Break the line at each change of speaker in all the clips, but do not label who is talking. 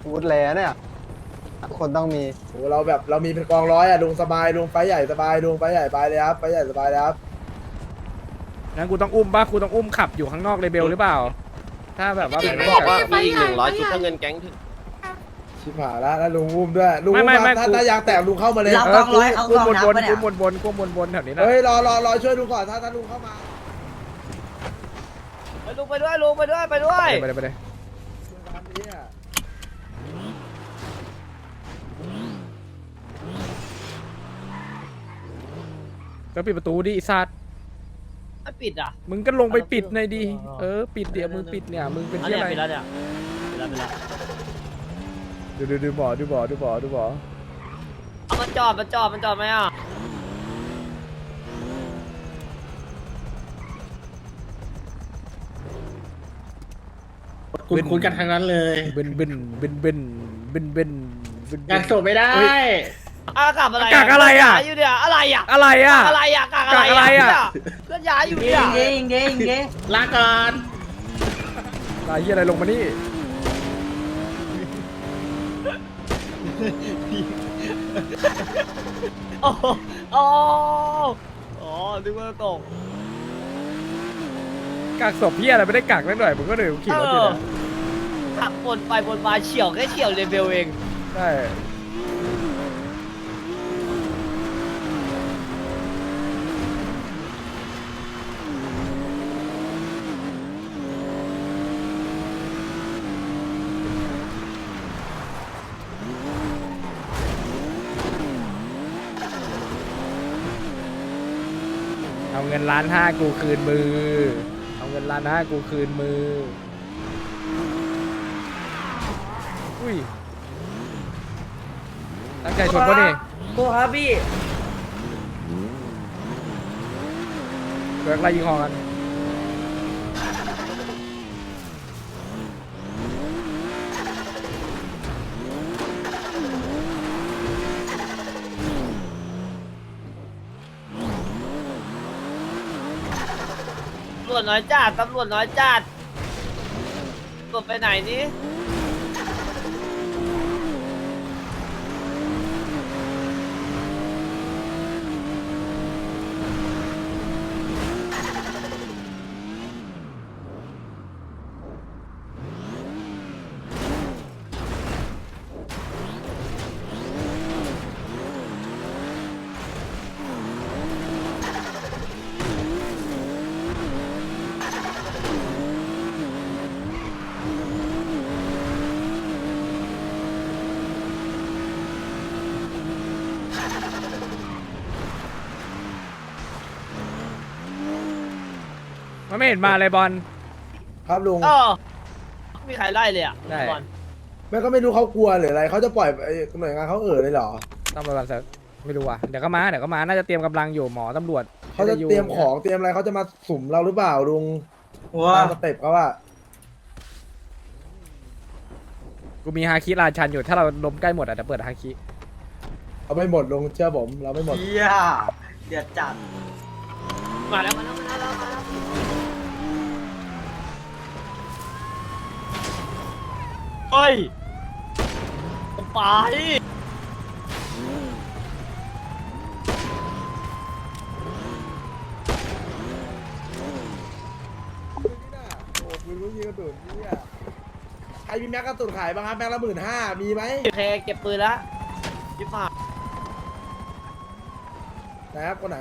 วูดแลเนี่ยคนต้องมี
โอ้เราแบบเรามีเป็นกองร้อยอะลุงสบายลุงไฟใหญ่สบายลุงไฟใหญ่ไปเลยครับไฟใหญ่สบายเลยครับ
งั้นกูต้องอุ้มป่ะกูต้องอุ้มขับอยู่ข้างนอกเลเบลหรือเปล่าถ้าแบบว่า
เห็นบอกว่ามีอีก100ชุดถ้าเงินแก๊งถึง
ชิบหายแล้วลุงอุ้มด้วยลุง
ไม่
อุ้มถ้ายางแตกลุงเข้ามาเลย
เรากองร้อยเขากองนับปะเนี่ย
กูวนแถวนี้นะ
เฮ้ยรอช่วยลุงก่อนถ้าลุงเข้ามา
ลุงไปด้วยลุงไปด้วยไปด้วย
ไปเลย
ตามนี้อะ
ก็ปิดประตูดิไอ้สัตว์
ไม่ปิดอ่ะ
มึงก็ลงไปปิดหน่อยดิปิดเดี๋ยวมึงปิดเนี่ยมึงเป็นที่อะไร
ปิดแล้วเนี่ยปิดแล้ว
ดูบ่อ
เอามันจอดไหมอ่ะ
คุณกันทางนั้นเลย
เบน
งานศพไม่ได้
อากาศอะไร
กากอะไรอ่ะ
อยู่เนี่ยอะไรอ่ะ
อะไรอ่ะ
อะไรอ่ะกากอะไร
กากอะไรอ่ะ
เพื่อนย้ายอยู่
เด้
เนี่ย
งเด้งเด้งเด้ง
ลาก่อน
ตายเหี้ยอะไรลงมานี่
โอ้โหอ๋อนึกว่าตก
กากศพเหี้ยอะไรไม่ได้กากนิดหน่อยมึงก็เลยขี่รถอยู่เนี่ย
ขับวนไปวนมาเฉียวแค่เฉียวเลเวลเอง
ใช่เอาเงิน1,500,000กูคืนมือเอาเงิน1,500,000กูคืนมืออุ้ยตั้งใจชนปะนี่
กูครับพี่
เกิดอะไรยิงคอกัน
ตำรวจน้อยจัดตำรวจน้อยจัดตำรวจไปไหนนี่
มันไม่เห็นมาเลยบอล
ครับลุง
มีใครไล่เลยอ่ะ
ได้
บอล
แม่ก็ไม่รู้เขากลัวหรืออะไรเขาจะปล่อยไอ้หน่วยงานเขาเลยเหรอ
ต้องไปวันเสาร์ไม่รู้ว่ะเดี๋ยวก็มาน่าจะเตรียมกำลังอยู่หมอตำรวจ
เขาจะเตรียมของเตรียมอะไรเขาจะมาสุ่มเราหรือเปล่าลุง
ว้า
ตามสเต็ปเขาอะ
กูมีฮาคิราชันอยู่ถ้าเราล้มใกล้หมดอ่ะเดี๋ยวเปิดฮาคิ
เราไม่หมดลุงเชื่อผมเราไม่หมด
เฮียเดือดจัด
มาแล้วเฮ้ยไป
โอ้ปืนลูกยิงกระสุนเนี่ยใครมีแม็กกระสุนขายบ้างครับแม็กละ15,000มีไหม
โอเคเก็บปืนแล้วยิบมา
ไหนครับคนไหน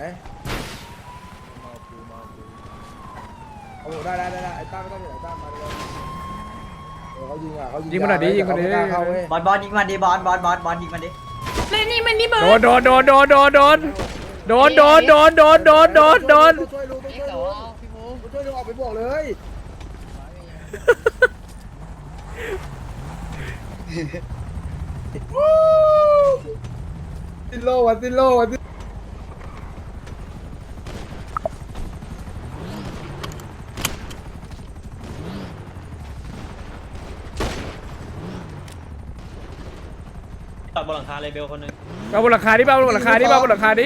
โอ้โหได้ไอ้ตั้มไม่ต้องอยู่ไหนตั้มมาเลยเขายิงอ่ะเขายิง
ยิงมันหน่อยดิยิงมันดิ
เขาไม่กล้าเข้าเว้ย
บอลยิงมันดิบอลยิงมันดิ
โดน
ช่วยลุงต้องช่วยลุงออกไปบวกเลยตินโลวันตินโลวันติน
บนหลังคาเลเบลคนหนึ่ง
เอาบนหลังคาดิเอาบนหลังคาดิเอาบนหลังคาดิ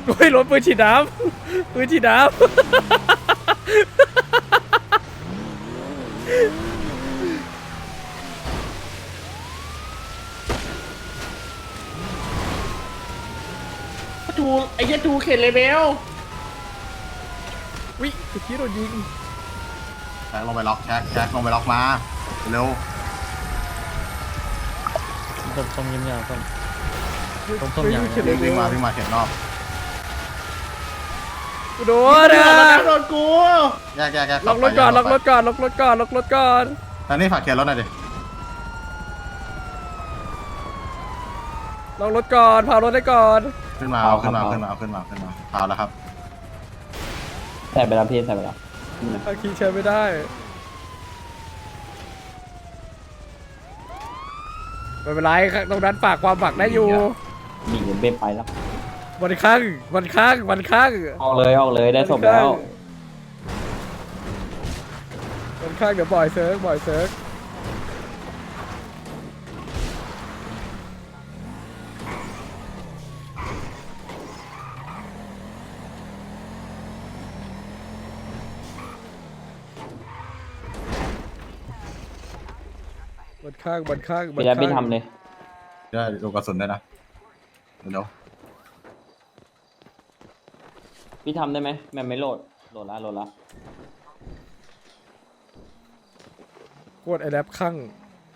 โอ้ยรถปืนฉีดน้ำปืนฉีดน้ำ
จูไอ้เหี้ยจูเข็นเลยเบล
วิตะกี้โดนยิง
แช็คลงไปล็อกแช็คลงไปล็อกมาเร็ว
ต้มยำๆต้ม
เฮ้ยเข็นเลย
วิ่งมาเข็นรอบ
กูโดนอ่ะ
โดนกู
แยก
ล็อกรถก่อนล็อกรถก่อนล็อกรถก่อนล็อกรถก่อน
ตอนนี้ฝากเข็นรถหน่อยดิ
ล็อกรถก่อนพารถได้ก่อน
ขึ้นมาเอาขึ้นมาพาวแล้วครับ
ใส่ไปแล้วพี่ใส่ไปแล้ว
อาคีใช้ไม่ได้ไม่เป็นไรตรงนั้นฝากความหวังได้อยู่
หนีเบ็ไปแล้ว
วันข้าง
ออกเลยได้ศพแล้ว
วันข้างเดี๋ยวบ่อยเซิร์ฟวันข้าง
พี่แล้วพี่ทำเลย
ได้ดูกระสุนด้วยนะเร็ว
พี่ทำได้ไหมแม่ไม่โหลดละ
โคตรไอแรปข้าง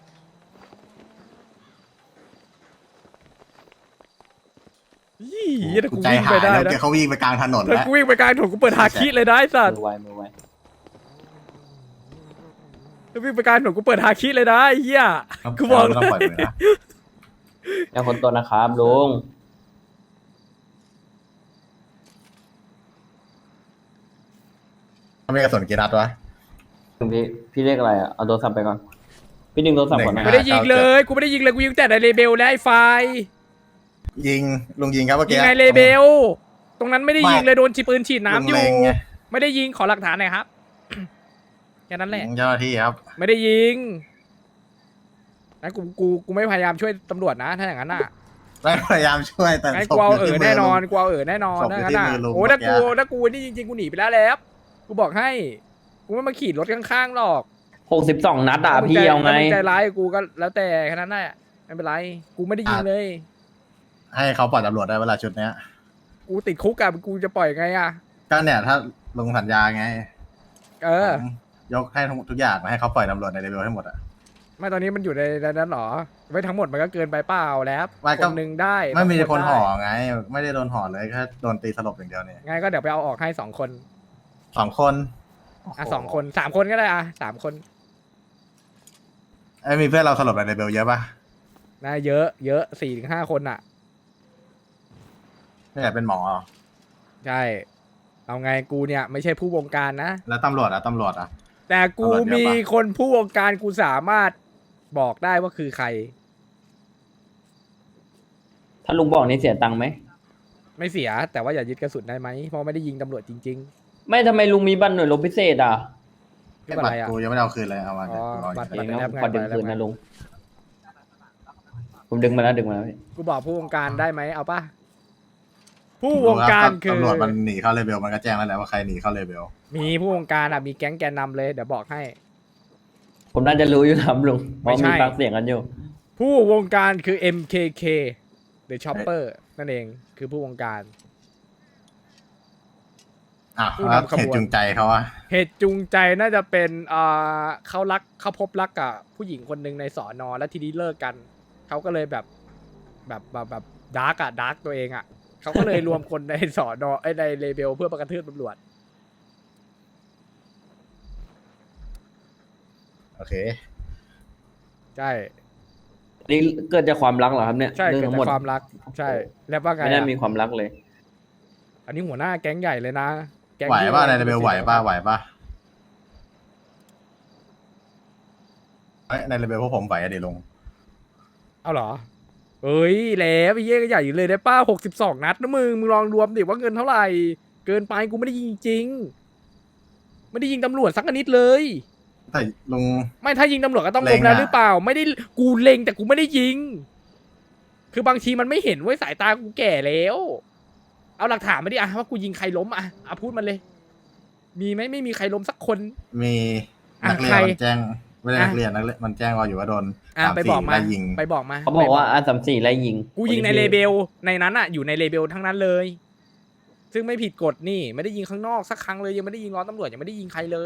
ยี่ถ้ากู
ใจ
วิ่ง
หา
ไป
ย
ได้
แล้ว
นะ
เกเขาวิ่งไปกลางถนน
ถ้า
แล้ว
กูวิ่งไปกลางถนนกูเปิดฮาคิเลยนะไอ้สัตว์
มือไว
ถ้าวิ่งไปกลางถนนกูเปิดฮาคิเลยนะไอ้เหี้ยกูบอกเล
ต้องปล่อย
ย
มือนะ
แล้วคนตัวนะครับลุง
เขามีกระสุนกี่นัดวะ
พี่เรียกอะไรอ่ะเอาโทรศัพท์ไปก่อนพี่ดึงโทรศัพท์ก่อนนะ
ไม่ได้ยิงเลยกูไม่ได้ยิงเลยกูยิงแต่ในเลเบลและไอ้ไฟ
ลุงยิงครับเมื่อ
ยิ
กี้
งในเลเบลตรงนั้นไม่ได้ยิงเลยโดนปืนฉีดน้ำอยู่
ลุงเล็งไง
ไม่ได้ยิงขอหลักฐานหน่อยครับ แค่นั้นแหละ
เจ้าหน้าที่ครับ
ไม่ได้ยิงนะกูไม่พยายามช่วยตำรวจนะถ้าอย่างนั้นน่ะ
ไม่พยายามช่วยแต่
งั้น
ศ
กู
พ
เอา
ยู่ที่มื
แน่นอน
ลุง
กูเอาแน่นอน
ศพอยู่
ถ้างั้น
ที่
น่ะ
มือลุง
โอ้
เมื่
ถ้า
อกี้
กูนี่จริงๆกูหนีไปแล้วแหล้วกูบอกให้กูไม่มาขี่รถข้างๆหรอก
62 นัดอ่ะพี่เอาไง
ถ้มึใจร้ายกูก็แล้วแต่แค่นั้นแหละไม่เป็นไรกูไม่ได้ยิงเลย
ให้เขาปล่อยตำรวจได้เวลาชุดเนี้ย
กูติดคุกกับกูจะปล่อยไงอ่ะ
ก็เนี่ยถ้าลงสัญญาไง
เออ
ผมยกให้ทุกอย่างให้เขาปล่อยตำรวจในเลเวลให้หมดอ่ะ
ไม่ตอนนี้มันอยู่ในนั้นหรอไม่ทั้งหมดมันก็เกินไปเปล่าแล้ว
ไม่
ค
ก็
นหนึ่งได้
ไม่มี
สง
คนห่อ
ได้
ไง ไม่ได้โดนห่อเลยแค่โดนตีสลบอย่างเดียวเนี่ย
งั้นก็เดี๋ยวไปเอาออกให้2 คน
2 คน
อ่ะ2 คน3 คนก็ได้อ่ะ3 คน
ไอ้ยมีเพื่อนเราสลบในเลเวลเยอะปะ
นะเยอะ4-5 คนอ่ะ
ไม่อยากเป็นหมอเหรอ
ใช่เอาไงกูเนี่ยไม่ใช่ผู้วงการนะ
แล้วตำรวจอ่ะ
แต่กู
ตำรวจเยอะปะ
มีคนผู้วงการกูสามารถบอกได้ว่าคือใคร
ถ้าลุงบอกนี่เสียตังค์ไหม
ไม่เสียแต่ว่าอย่ายึดกระสุนได้ไหมเพราะไม่ได้ยิงตำรวจจริง
ไม่ทำไมลุงมีบัตรหน่วยรบพิเศษอ่ะ
ๆไม่เป็นไร
บัตร
อ่ะ
กูยังไม่ได้เอาคืนเลยเอามา
อ๋อ
เดี๋ยวรอ
บัตร
อยู่
เอง
แล้
นะ
วไง
ขอดึงคืนนะลุงผมดึงมาแล้วพี่
กูบอกผู้วงการได้ไหมเอาปะผู้วงการคือ
ตำรวจมันหนีเข้าเลเวลมันก็แจ้งแล้วแหละว่าใครหนีเข้าเลเวล
มีผู้วงการอ่ะมีแก๊งแกนนำเลยเดี๋ยวบอกให้
ผมน่าจะรู้อยู่ครับลุงเพ
ไม่
ราะ
ใช่
มีฟังเสียงกันอยู่
ผู้วงการคือ MKK The Chopper นั่นเองคือผู้วงการ
อ่ะ
ผู้
แล้ว
นำขบวน
เหตุจูงใจเขาอะ
เหตุจูงใจน่าจะเป็นเขาพบรักกับผู้หญิงคนหนึ่งในสอนอแล้วทีนี้เลิกกันเขาก็เลยแบบดาร์กตัวเองอ่ะเขาก็เลยรวมคนในสอนอในเลเบลเพื่อประกระทืบตำรวจ
โอเค
ใช่
นี่เกิดจากความรักเหรอครับเนี่ย
ใช่
เรื่อง
เกิด
ทั้งหม
จา
ด
กความรักใช่แล้วว่าไง
ไม่ได้
อะ
มีความรักเลย
อันนี้หัวหน้าแก๊งใหญ่เลยนะแก๊ง
ไหว
ที่
ป่ะในเลเวลไหวป่ะเอ้ยในเลเวลพวกผมไหวอะดิลง
เอาเหรอเอ้ยแล้วไอ้เหี้ยก็ใหญ่อยู่เลยได้ป้า62 นัดนะมึงลองรวมดิว่าเงินเท่าไหร่เกินไปกูไม่ได้ยิงจริงไม่ได้ยิงตำรวจสักนิดเลย
แต่ลุง
ไม่ถ้ายิงตำรวจก็ต้อง
เล็
ล้
ง
มแล้ว
อะ
หรือเปล่า ไม่ได้กูเล็งแต่กูไม่ได้ยิง คือบางทีมันไม่เห็นเว้ยสายตากูแก่แล้วเอาหลักฐานมาดิอะว่ากูยิงใครล้มอะพูดมันเลย มีไหมไม่มีใครล้มสักคน
มีนักเรียน
ใคร
มันแจ้งไม่ได้นักเรียนนักเรียนมันแจ้งว่าอยู่ว่าโดน
ไปบอกมา
ไล่ยิง
ไปบอกมา
เขาบอกว่าR34ไล่ยิง
กูยิงในเลเบลในนั้นอะอยู่ในเลเบลทั้งนั้นเลย ซึ่งไม่ผิดกฎนี่ไม่ได้ยิงข้างนอกสักครั้งเลยยังไม่ได้ยิงล้อตำรวจยังไม่ได้ยิงใครเลย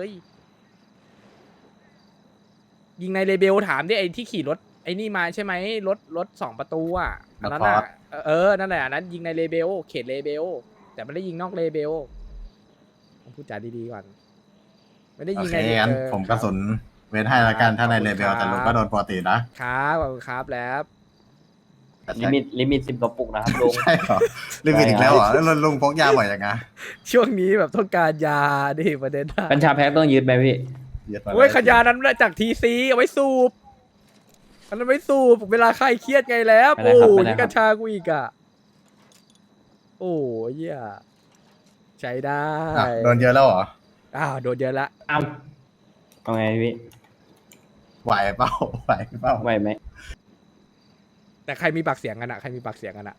ยิงในเลเบลถามดิไอ้ที่ขี่รถไอ้นี่มาใช่ไหมรถ2 ประตูอ่ะอันนั้นอ่ะนั่นแหละอันนั้นยิงในเลเบลเขตเลเบลแต่ไม่ได้ยิงนอกเลเบลต้องพูดจาดีๆก่อนไม่ได้
โอ
ยิง
เค
ใน
งั้นผมกระสุนเว้นให้ละกันถ้าในเลเวล
ขอบคุณครับ
แต่ลุงก็โดนปกตินะครับ
ขอบคุณครับแล้ว
ลิมิต10 กระปุกนะครับลุง
ใช่เหรอลิมิตอีกแล้วเหรอแล้วลุงพกยาบ่อยอย่างไง
ช่วงนี้แบบต้องการยาดิประเด็นอะ
กัญชาแพ็คต้องยึดไหมพี่
ยึดมา
โอ้ยขยานั้นมาจากทีซีเอาไว้สูบอันนั้นไว้สูบเวลาใครเครียดไงแล้ว
ไม่ได้
โอ้
ครับ
โห
ไม่ได้
นี่
ครับ
กัญชากูอีกอ่ะโอ้ยเหี้ยใช้ได้
อ่ะโดนเยอะแล้วเหรอ
โดนเยอะละ
อ้าวเอาไงพี่
ไหวเปล่าไหวเปล่า
ไหวไหม
แต่ใครมีปากเสียงกันอะใครมีปากเสียงกันอะ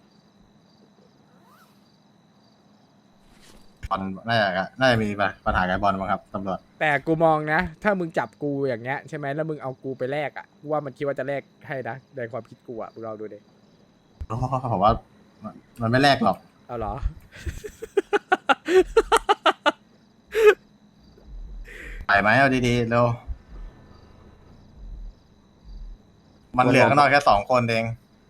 บอลน่าจะมีปัญหากับบอลมั้งครับตำรวจ
แต่กูมองนะ ถ้ามึงจับกูอย่างเงี้ยใช่ไหมแล้วมึงเอากูไปแลกอะกูว่ามันคิดว่าจะแลกให้นะในความคิดกูอะมึงลองดูดิ
ผมว่ามันไม่แลกหรอก
เอาเหรอ
ไปไหมเอาดีๆเร็วมันเหลือข้างนอกแค่2 คนเอง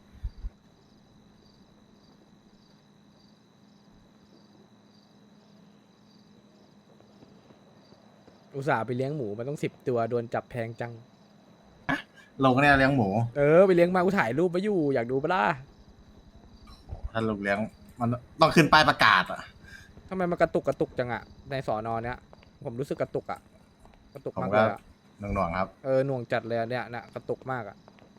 อุตส่าห์ไปเลี้ยงหมูมันต้อง10 ตัวโดนจับแพงจัง
ลงเนี่ยเลี้ยงหมู
ไปเลี้ยงมากูถ่ายรูปไว้อยู่อยากดูปะล่ะ
ถ้าลุงเลี้ยงมันต้องขึ้นป้ายประกาศอ่ะ
ทำไมมันกระตุกจังอะในสอนอเนี้ยผมรู้สึกกระตุกอะกระตุก
ผม
มาก
ก็
เลยอะ
หน่วงๆครับ
หน่วงจัดเลยอะเนี่ยกระตุกมากอะ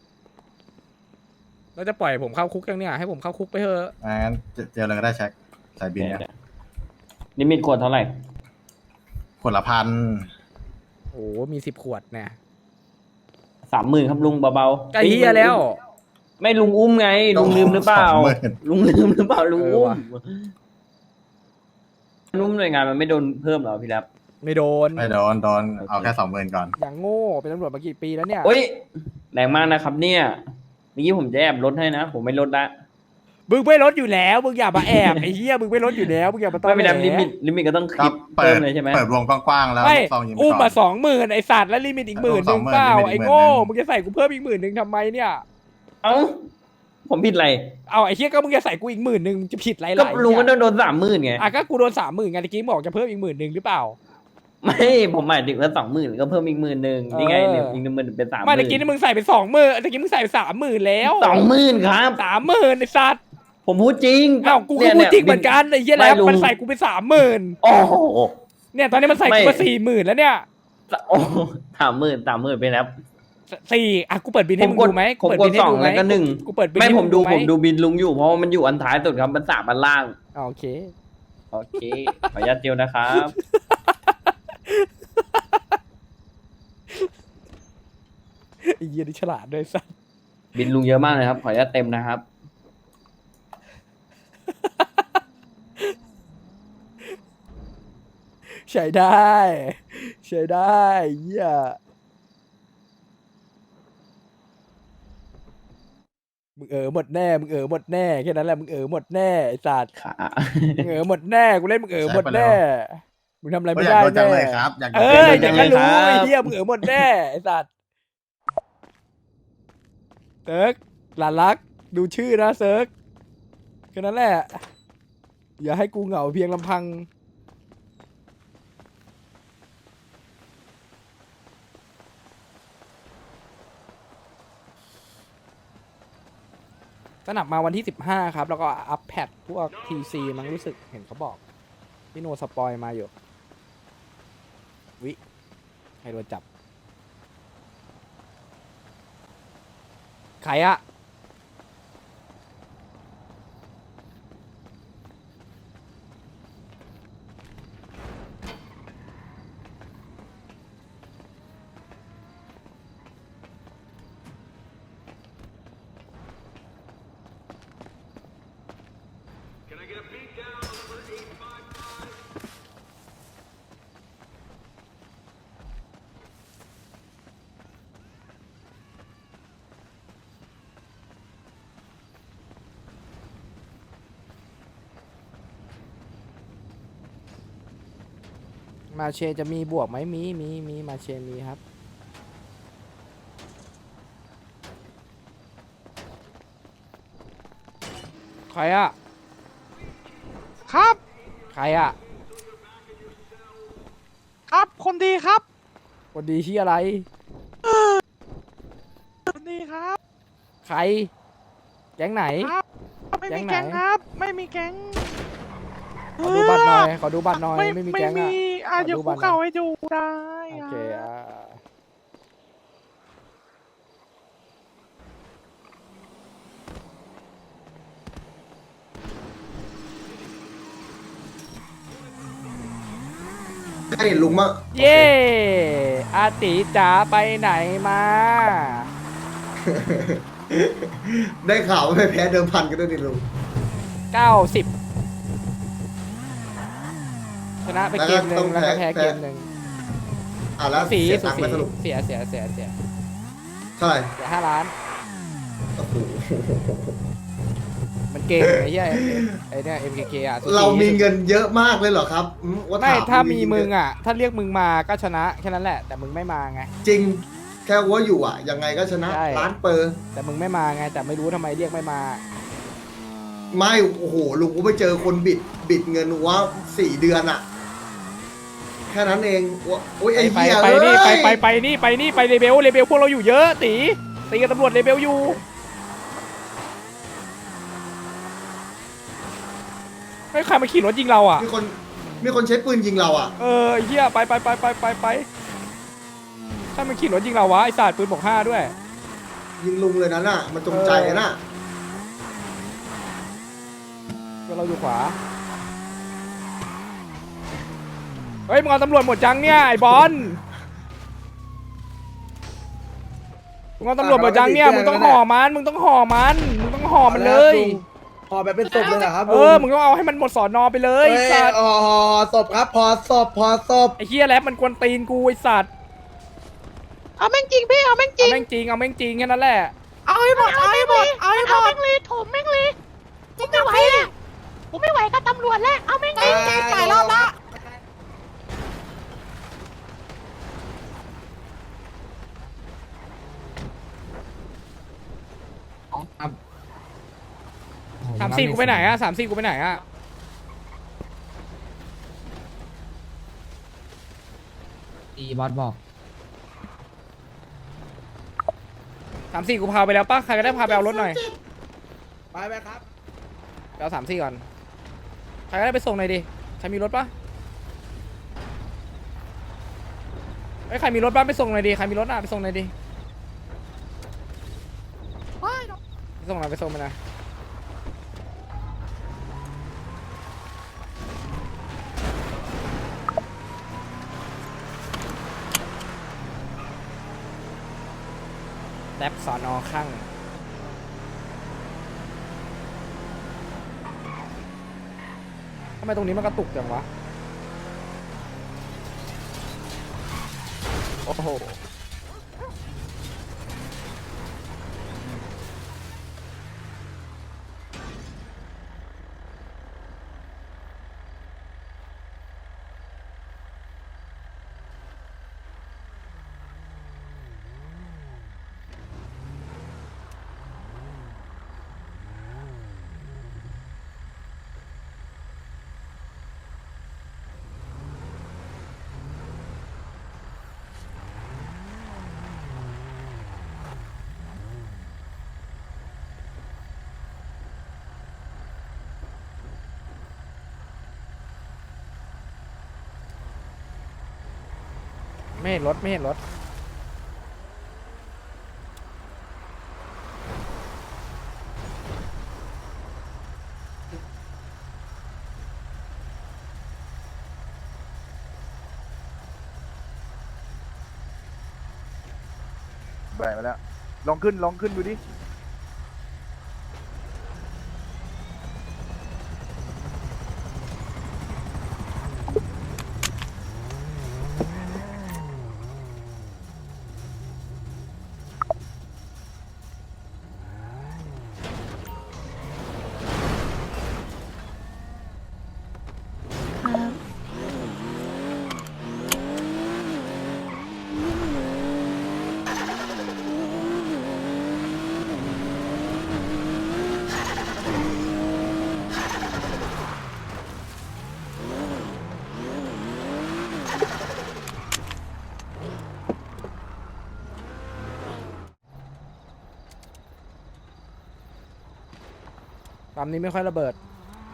แล้วจะปล่อยผมเข้าคุกยังเนี่ยให้ผมเข้าคุกไปเถอะ
งั้นเจอเลยก็ได้เช็คใส่บินเนี่ย
ลิมิตขวดเท่าไหร่
ขวดละ1,000
โอ้มี10 ขวดเนี่ย
30,000ครับลุงเบาๆ
ใกล้เฮียแล้ว
ไม่ลุงอุ้มไง ลุงลืมหรือเปล่า ลุงลืมหรือเปล่าลุงอุ้ม
ว่ะ
นุ่มหน่วยงานมันไม่โดนเพิ่มเหรอพี่รับ
ไม่โดน
ไม่โดนเอาแค่20,000ก่อน
อย่างโง่เป็นตำรวจมากี่ปีแล้วเนี่ย
โอ้ยแรงมากนะครับเนี่ยเมื่อกี้ผมจะแอบลดให้นะ ผมไม่ลดละ
มึงไม่ลดอยู่แล้วมึงอย่ามาแอบไอ้เหี้ยมึงไม่ลดอยู่แล้วมึงอย่ามาต้อ
ไม่
ง
เป็นไรลิมิตก็ต้อง
ก็
คิด
เปิ
เพิ่
ด
มเลยใช่ไหม
เปิดวงกว้างๆแล้ว
ไม่
ซองยิงไป
อุ้ม
ก่อ
มาน 20,000ไอ้สัตว์แล้วลิมิตอีก10,000
20,000
เปล่า
ลิมิตอีก
ไอ้
10,000
โง่มึงจะใส่กูเพิ่มอีก10,000ทำไมเนี่ย
เอ้าผมผิดอะไร
เอาไอ้เหี้ยก็มึงจะใส่กูอีก10,000มึงจะผิดไร
ก็
ล่ะ
ลุงก็
ไอ้เหี้ย
โดน30,000ไง
ก็กูโดน30,000ไงตะกี้บอกจะเพิ่มอีก10,000หรือเปล่า
ไม่ผมหมายถึงว่า20,000ก็เพิ่มอีก10,000นี่ไง
เออ
เหลืออีก10,000เป็น30,000
ไม่ตะกี้นี่มึงใส่ไป20,000ตะกี้มึงใส่ไป30,000แล้ว
20,000ครับ
30,000ไอ้สัตว์
ผมพูดจริง
เอ้ากูก็พูดจริงเหมือนกันไอ้เหี้ยแล้วมันใส่กูไป30,000
โอ้โห
เนี่ยตอนนี้มันใส่กูมา40,000แล้วเนี่ย
โอ้30,000ไปแล้ว
กูเปิดบินให้มึงดูไหม
ผม
เปิด
ก
บิ
ด
นให้
สอง
ดูไหม
แล้วก็หนึ่ง
กูเปิดบิน
ไม่
ให้
ผมดู
ไห
ผมดูบินลุงอยู่เพราะว่ามันอยู่อันท้ายสุดครับมัน3อันล่าง
โอเค
โอเคขออนุญาตเจียวนะครับ
ไอ้เหี้ยนี่ฉลาดด้วยสัส
บินลุงเยอะมากเลยครับขออนุญาตเต็มนะครับ
ใช้ได้ใช้ได้เหี้ยมึงหมดแน่มึงหมดแน่แค่นั้นแหละมึงหมดแน่ไอ้สัตว์
ขา
มึงหมดแน่กูเล่นมึงหมดแน่มึงทำอะไร
ก็
ไม่
อยาก
ได้
โดนจัง
แน่
เลยครับอยากโดน
อ
จัง
อ
เลย
อยากจะรู้ไอ้เหี้ยมึงหมดแน่ไอ้สัตว์เซิร์กหลานรักดูชื่อนะเซิร์กแค่นั้นแหละอย่าให้กูเหงาเพียงลำพังสนับมาวันที่15ครับแล้วก็อัพแพดพวก TC มั้งรู้สึกเห็นเขาบอกพี่โนสปอยมาอยู่วิใครโดนจับใครอะมาเชจะมีบวกไหมมีมาเชมีครับใครอะครับใครอะครับคนดีครับคนดีที่อะไรคนดีครับใครแก๊งไหนไม่มีแก๊งครับไม่มีแก๊งขอดูบัตรหน่อยขอดูบัตรหน่อยไม่มีแก๊งอะเดี๋ยวคุกเข่าให้ดูได้โอเค
ให้ลุงมา
เย่อาติจ๋าไปไหนมา
ได้ข่าวว่าไม่แพ้เดิมพันกันด้วยนี่ลุง
90ชนะไปเกมหนึ่งแล้วก็แพ้เกมหนึ่ง
แล้ว
สี
เสีย
สุ
ตังค์
สี
ไหมสรุป
เสีย
เท่าไหร่
5 ล้าน
โอ้โห
มันเกมไอ้เหี้ยไอ้เนี่ย MKK อ่ะสุสี
เรามีเงินเยอะมากเลยเหรอครับว่า
ไม่
ถ
ถ้ามี
จริๆ
มึงอ่ะ ถ้าเรียกมึงมาก็ชนะแค่นั้นแหละ แต่มึงไม่มาไง
จริง แค่ว่าอยู่อ่ะ ยังไงก็ชนะ
ใช่
ล้านเปอร์
แต่มึงไม่มาไง แต่ไม่รู้ทำไมเรียกไม่มา
ไม่โอ้โหลุงก็ไปเจอคนบิดเงินว่า4 เดือนอ่ะ แค่นั้นเองว่าโอ้ยไอ้
ไป
เหี้ย
ไปนี่
เอ้ย
ไปนี่ไปเลเบลพวกเราอยู่เยอะตีกับตำรวจเลเบลอยู่ไม่ใครมาขี่รถยิงเราอ่ะ
มีคนใช้ปืนยิงเราอ่ะ
ไอ้เหี้ยไปถ้ามันขี่รถยิงเราวะไอ้ศาสตร์ปืนบอก5ด้วย
ยิงลุงเลยนั้นน่ะ มันจงใจน่ะ
พวกเราอยู่ขวาเฮ้ยมึงเอาตำรวจหมดจังเนี่ยไอ้บอลมึงเอาตำรวจหมดจังเนี่ยมึงต้องห่อมันมึงต้องห่อมันเลย
พอแบบเป็นศพเลยเหรอครับ
มึงต้องเอาให้มันหมดสอนอไปเลย
เฮ้ย
ไอ้สัตว์
ศพครับพอศพ
ไอ้เฮียแรปมันกวนตีนกูไอ้สัตว์เอาแม่งจริงพี่เอาแม่งจริงแค่นั้นแหละเอาให้หมดเลยถมแม่งเลยผมไม่ไหวแล้วผมไม่ไหวกับตำรวจแล้วเอาแม่งจริงจ่ายรอบละ34กูไปไหนอะ34กูไปไหนอะบอสบอก34กูพาไปแล้วป่ะใครก็ได้พาไปเอารถหน่อย
ไปครับ
ไปเอา34ก่อนใครก็ได้ไปส่งหน่อยดิใครมีรถป่ะเฮ้ยใครมีรถบ้างไปส่งหน่อยดิใครมีรถอ่ะไปส่งหน่อยดิไปส่งหน่อยไปส่งมาหน่อยแท็บสอนอข้างทำไมตรงนี้มันกระตุกจังวะโอ้โหไม่เห็นรถไม่เห็นรถ
แบกมาแล้วลองขึ้นดูดิ
ปั๊มนี้ไม่ค่อยระเบิด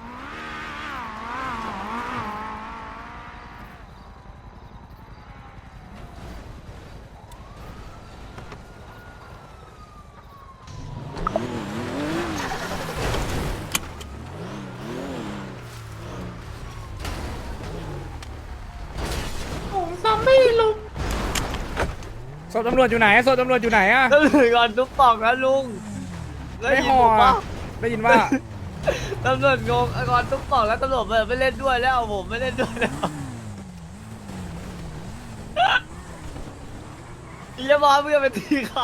ศพตำรวจอยู่ไหนศพตำรวจอยู่ไหนอะ
ตำรวจก่อนทุกปอกนะลุง
ไม่ห่อ
ปะ
ได้ยินว่า
ตำรวจงงก่อนทุกปอกแล้วตำรวจไม่เล่นด้วยแล้วผมไม่เล่นด้วยแล้วอีจะบอกเพื่อนไปตีเขา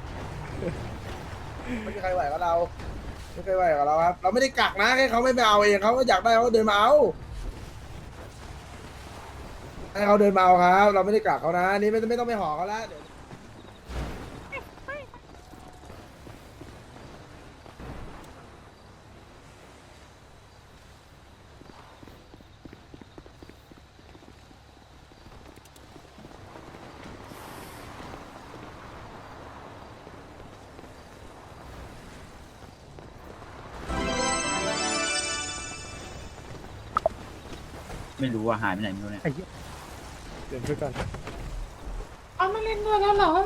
ไม่มีใครไหวกับเราไม่เคยไหวกับเราครับ เราไม่ได้กักนะแค่เขาไม่ไปเอาเองเขาก็อยากได้เขาก็เดินมาเอาให้เขาเดินมาเอาครับ เราไม่ได้กักเขานะนี่ไม่ต้องไปห่อเขาแล้วเดี๋ยว
ไม่รู้ว่าหายไปไหนไม่รู้เนี่ย
เดี๋ยวช่วยกัน
เอามาเล่นด้วยแล้วเหรอ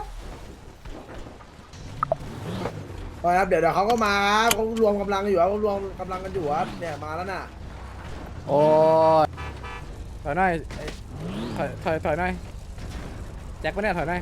พอครับเดี๋ยวเขาก็มาครับเขารวมกำลังกันอยู่ครับเขารวมกำลังกันอยู่ครับเนี่ยมาแล้วน่ะ
โอ้ยถอยหน่อยถอยหน่อยแจ็คปะเนี่ยถอยหน่อย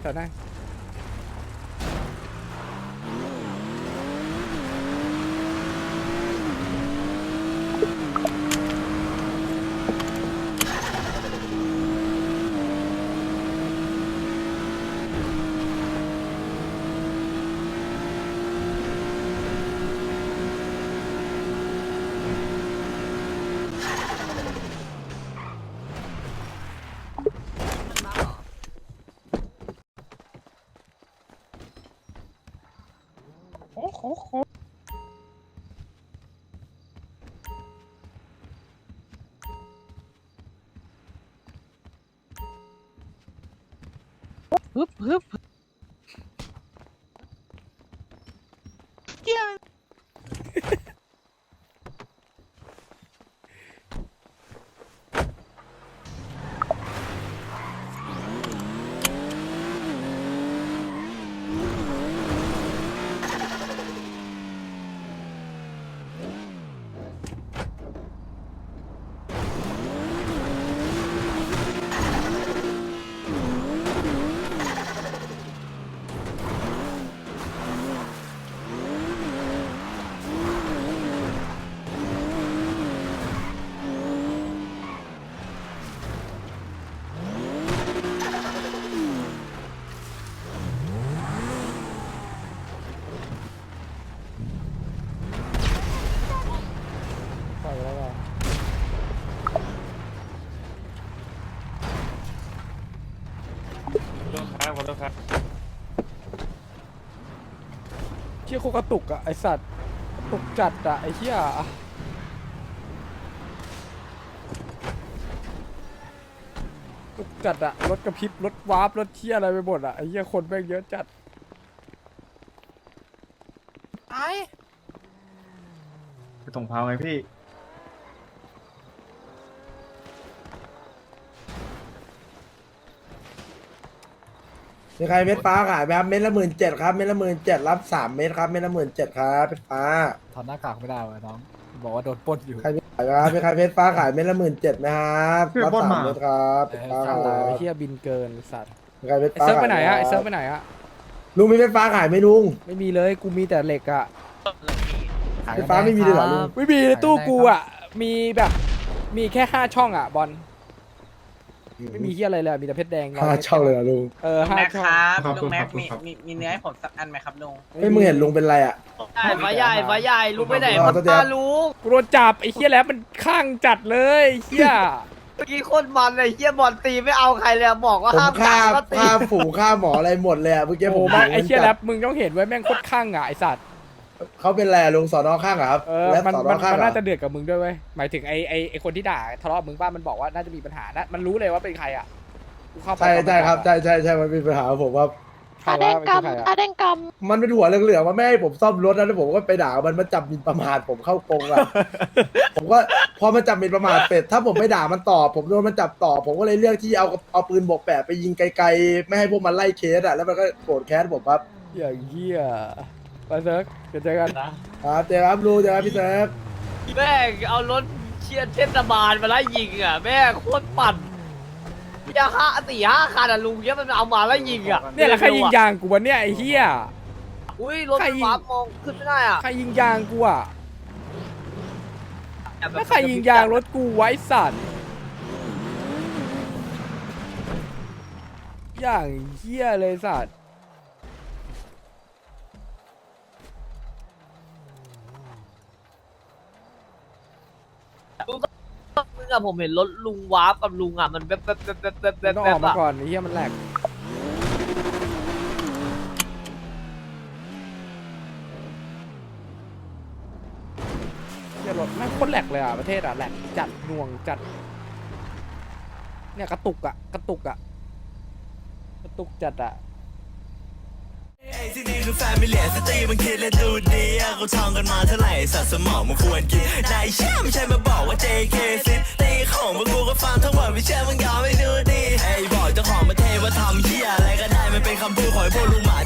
ปล่อยไปแล้วกันเชี่ยโคกระตุกอะไอสัตว์กระตุกจัดอะไอเชี่ยตุกจัดอะรถกระพริบรถวาร์ปรถเชี่ยอะไรไปหมดอะไอเชี่ยคนแม่งเยอะจัด
ไปตรงพาวไงพี่
มีใครเม็ดฟ้าขายไหมครับเม็ดละ17,000ครับเม็ดละ17,000รับ3 เม็ดครับเม็ดละ17,000ครับเม็ดฟ้า
ถอดหน้ากากไม่ได้วะน้องบอกว่าโดนปล้นอยู่
ใครไม่ขายครับมีใครเม็ดฟ้าขายเม็ดละ17,000ไหมครับรับ3 เม็ดครับเม็ดฟ้าครับ
ไอเชี่ยบินเกินสัตว์
มีใครเม็ด
ไอ
ฟ้า
เซิร์ฟ
ขาย
ไปไหนอะไอเซิร์ฟไปไหนอะ
ลุงมีเม็ดฟ้าขายไหมลุง
ไม่มีเลยกูมีแต่เหล็กอะ
เม็ดฟ้าไม่มีเลยเหรอลุง
ไม่มีในตู้กูอะมีแบบมีแค่5 ช่องอะบอลไม่มีเฮียอะไรเลยอะมีแต่เพชรแดง
5 ช่องเลยเหรอลุง
5 ช่อง
ลุงแม็กมี
เนื้อให้ผมสักอันไหมครับลุง
ไม่มึงเห็นลุงเป็นไรอ่ะ
ฟ้าใหญ่ลุงไปไหน
รอ
มา
ตัวเดียว
ตาลุง
กูโดนจับไอ้เฮียแล้วมันข้างจัดเลยไอ้เฮีย
เมื่อกี้โคตรมันเลยเฮียบอลตีไม่เอาใครเลยบอกว่า
ผม
ห้าม
ฆ่า
ก็ตี
ฆ่าฝูงฆ่าหมออะไรหมดเลยอ่ะเมื่อกี้
โอ้
ผ
โห
ม
ไม่ไอ้เฮียแล้วมึงต้องเห็นไว้แม่งโคตรข้างอะไอสัตว์
เขาเป็นไรอะลุงสอนอข้างเหรอครับ และ
มัน
สอน
มั
อน ข้าง
มัน
เหรอ
น่าจะเดือดกับมึงด้วยเว้ยหมายถึงไอคนที่ด่าทะเลาะกับมึงป้ามันบอกว่าน่าจะมีปัญหานะมันรู้เลยว่าเป็นใครอะกูเข้าไป
ใช่ใช่ครับใช่ใช่ใช่มันมีปัญหากับผมครับ
ใครวะมันคือใคร
อา
อะ
แดงก
มันเป็นหัวเหลืองๆมาไม่ให้ผมซ่อมรถนะแล้วผมก็ไปด่ามันจับหมินประมาทผมเข้ากรงอ่ะ ผมก็พอมันจับหมินประมาทเป็ดถ้าผมไม่ด่ามันต่อผมโดนมันจับต่อ ผมก็เลยเลือกที่เอาปืนบวกแปดไปยิงไกลๆไม่ให้พวกมันไล่เคสอ่ะแล้วมันก็โกรธแค้นผมครับ
อย่างเหี้ยไปเซิร์ฟเดี๋ยวเจอกัน
ครับเจอครับลูเจอครับพี่เซิร์ฟ
แม่งเอารถเชียร์เทศบาลมาไล่ยิงอ่ะแม่งโคตรปั่นอย่า4-5 คันอ่ะลุงเนี่ยมันเอามาไล่ยิงอ่ะ
เนี่ยแหละใครยิงยางกูวะเนี่ยไอ้เหี้ย
อุ้ยรถไฟฟ้ามองขึ้นไม่ได้อ่ะ
ใครยิงยางกูอ่ะแล้วใครยิงยางรถกูไว้สัตว์อย่างเหี้ยเลยสัตว์
มึงอะผมเห็นรถลุงวาร์ปกับลุงอ่ะมันแบบ
มันต้องออกมาก่อนไอ้เหี้ยมันแหลกเหี้ยรถแม่งโคตรแหลกเลยอ่ะประเทศอ่ะแหลกจัดหน่วงจัดเนี่ยกระตุกอ่ะกระตุกอ่ะกระตุกจัดอ่ะ
ที่นี่คือแฟมิเลียสตรีมันคิดและดูดีกูท่องกันมาเท่าไหร่สัตว์สมองมันควรกินนายเชื่อไม่ใช่มาบอกว่า JK ซิตีของพวกกูก็ฟังทั้งหมดไม่เชื่อมึงยอมไม่ดูดีไอ้บอกเจ้าของประเทศว่าทำเหี้ยอะไรก็ได้มันเป็นคำพูดของพวกลุงหมา